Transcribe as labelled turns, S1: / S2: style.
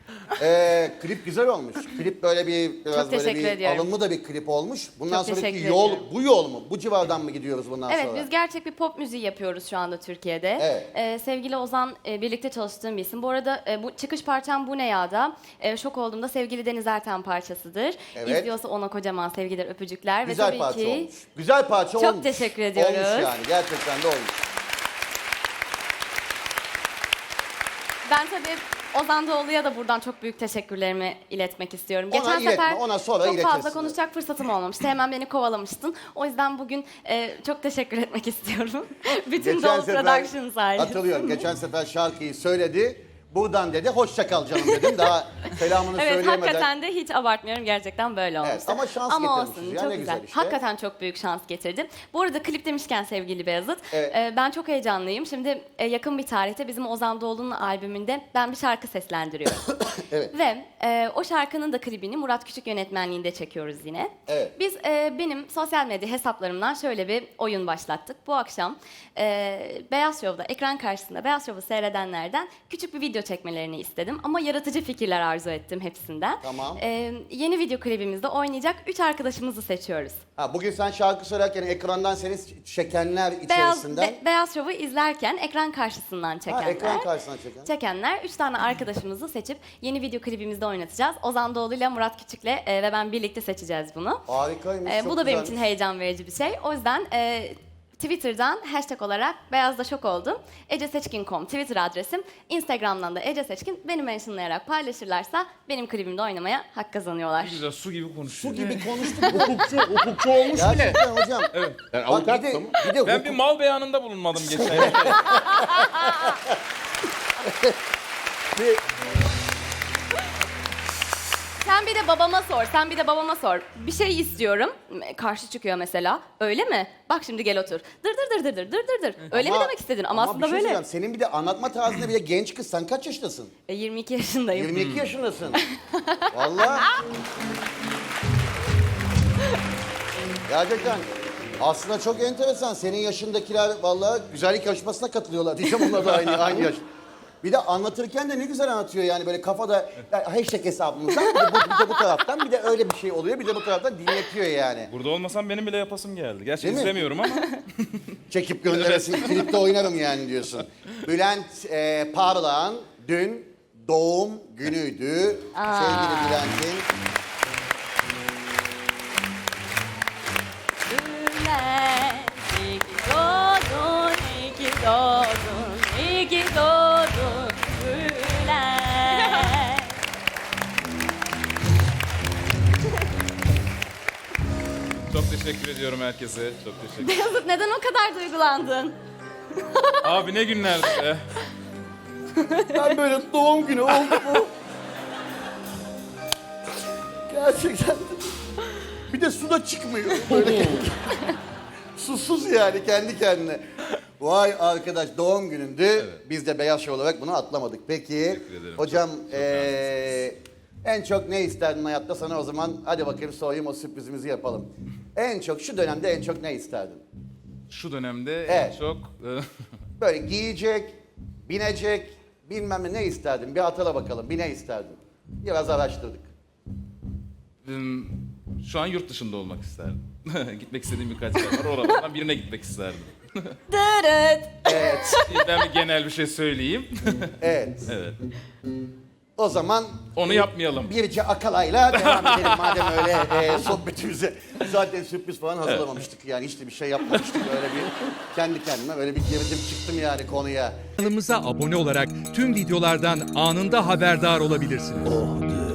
S1: Klip güzel olmuş. Klip böyle biraz
S2: Çok
S1: böyle
S2: teşekkür
S1: bir
S2: ediyorum.
S1: alımlı da bir klip olmuş. Bundan
S2: Çok
S1: sonraki
S2: teşekkür
S1: yol,
S2: ediyorum.
S1: bu yol mu? Bu civardan mı gidiyoruz bundan
S2: Evet,
S1: sonra?
S2: biz gerçek bir pop müziği yapıyoruz şu anda Türkiye'de.
S1: Evet.
S2: Sevgili Ozan, birlikte çalıştığım bir isim. Bu arada bu çıkış parçam Bu Ne Ya'da. Şok olduğumda sevgili Deniz Erten parçasıdır.
S1: Evet.
S2: İzliyorsa ona kocaman sevgiler, öpücükler.
S1: Güzel
S2: ve tabii
S1: parça
S2: ki
S1: olmuş. Güzel parça
S2: Çok
S1: olmuş.
S2: teşekkür ediyoruz.
S1: Olmuş yani, gerçekten de olmuş.
S2: ben tabii Ozan Doğulu'ya da buradan çok büyük teşekkürlerimi iletmek istiyorum.
S1: Ona
S2: Geçen
S1: iletme,
S2: sefer
S1: ona sonra
S2: çok fazla
S1: iletirsin.
S2: konuşacak fırsatım olmamıştı. Hemen beni kovalamıştın. O yüzden bugün çok teşekkür etmek istiyorum. Bütün Doğulu Production sayesinde.
S1: hatırlıyorum, geçen sefer şarkıyı söyledi. Buradan dedi, hoşça kal canım dedim. Daha selamını
S2: Evet,
S1: söyleyemeden.
S2: hakikaten de hiç abartmıyorum. Gerçekten böyle olmuş.
S1: Evet, ama şans
S2: Ama
S1: getirmişiz
S2: olsun,
S1: ya,
S2: çok
S1: ne
S2: güzel.
S1: güzel işte.
S2: Hakikaten çok büyük şans getirdim. Bu arada klip demişken sevgili Beyazıt,
S1: Evet.
S2: ben çok heyecanlıyım. Şimdi yakın bir tarihte bizim Ozan Doğulu'nun albümünde ben bir şarkı seslendiriyorum.
S1: Evet.
S2: Ve o şarkının da klibini Murat Küçük yönetmenliğinde çekiyoruz yine.
S1: Evet.
S2: Biz benim sosyal medya hesaplarımdan şöyle bir oyun başlattık. Bu akşam Beyaz Show'da, ekran karşısında Beyaz Show'u seyredenlerden küçük bir video çekmelerini istedim. Ama yaratıcı fikirler arzu ettim hepsinden.
S1: Tamam.
S2: Yeni video klibimizde oynayacak 3 arkadaşımızı seçiyoruz.
S1: Ha, bugün sen şarkı söylerken ekrandan seni çekenler içerisinden.
S2: Beyaz Show'u izlerken ekran karşısından çekenler.
S1: Ha, ekran karşısından çeken.
S2: Çekenler 3 tane arkadaşımızı seçip yeni video klibimizde oynatacağız. Ozan Doğulu ile Murat Küçük'le ve ben birlikte seçeceğiz bunu.
S1: Harikaymış.
S2: Bu
S1: çok
S2: da benim
S1: güzelmiş.
S2: için heyecan verici bir şey. O yüzden Twitter'dan hashtag olarak Beyaz'da şok oldum. eceseçkin.com Twitter adresim. Instagram'dan da Ece Seçkin beni mentionlayarak paylaşırlarsa benim klibimde oynamaya hak kazanıyorlar.
S3: Ne güzel su gibi konuşuyor.
S1: Su gibi konuştuk.
S3: Hukukçu olmuş bile.
S1: Gerçekten hocam.
S3: Evet. Yani
S1: Bak,
S3: avukat
S1: bir de,
S3: mı?
S1: bir de
S3: Ben bir mal beyanında bulunmadım geçen.
S2: Sen bir de babama sor. Bir şey istiyorum. Karşı çıkıyor mesela. Öyle mi? Bak şimdi gel otur. Dır. Öyle mi demek istedin? Ama aslında
S1: bir şey
S2: böyle.
S1: söyleyeceğim, senin bir de anlatma tarzında bir de genç kız. Sen kaç yaşındasın?
S2: 22 yaşındayım.
S1: 22 yaşındasın. Vallahi. Gerçekten. Aslında çok enteresan. Senin yaşındakiler vallahi güzellik yarışmasına katılıyorlar diyeceğim. Onlar da aynı yaş. Bir de anlatırken de ne güzel anlatıyor yani böyle kafada hashtag hesabımızdan bir de bu taraftan bir de öyle bir şey oluyor. Bir de bu taraftan dinletiyor yani.
S3: Burada olmasam benim bile yapasım geldi. Gerçi
S1: Değil mi?
S3: izlemiyorum ama.
S1: Çekip gönderesin, klipte oynarım yani diyorsun. Bülent Parlak'ın dün doğum günüydü. Sevgili Bülent'in.
S2: Bülent, iyi ki doğdun, iyi ki doğdun, iyi ki doğdun Bülent.
S3: Çok teşekkür ediyorum herkese. Çok teşekkür ederim.
S2: Beyazıt neden o kadar duygulandın?
S3: Abi ne günlerdi be.
S1: Ben böyle doğum günü oldu mu? Gerçekten. Bir de su da çıkmıyor. Böyle susuz yani kendi kendine. Vay arkadaş doğum günündü. Biz de Beyaz Show olarak bunu atlamadık. Peki
S3: Teşekkür ederim.
S1: hocam
S3: Çok naziksiniz.
S1: en çok ne isterdin hayatta sana o zaman? Hadi bakayım sorayım o sürprizimizi yapalım. En çok şu dönemde en çok ne isterdin?
S3: Şu dönemde
S1: Evet.
S3: en çok...
S1: Böyle giyecek, binecek, bilmem ne isterdin? Bir hatırla bakalım. Bir ne isterdin? Biraz araştırdık.
S3: Şu an yurt dışında olmak isterdim. Gitmek istediğim birkaç yer var. Oralardan birine gitmek isterdim.
S2: Dırıt.
S1: Evet.
S3: Ben bir genel bir şey söyleyeyim.
S1: Evet.
S3: Evet.
S1: O zaman
S3: Onu yapmayalım.
S1: Birce Akalay'la devam edelim madem öyle sohbetimize. Zaten sürpriz falan hazırlamamıştık yani hiç de bir şey yapmamıştık. Öyle bir kendi kendime öyle bir girdim çıktım yani konuya.
S4: Kanalımıza abone olarak tüm videolardan anında haberdar olabilirsiniz.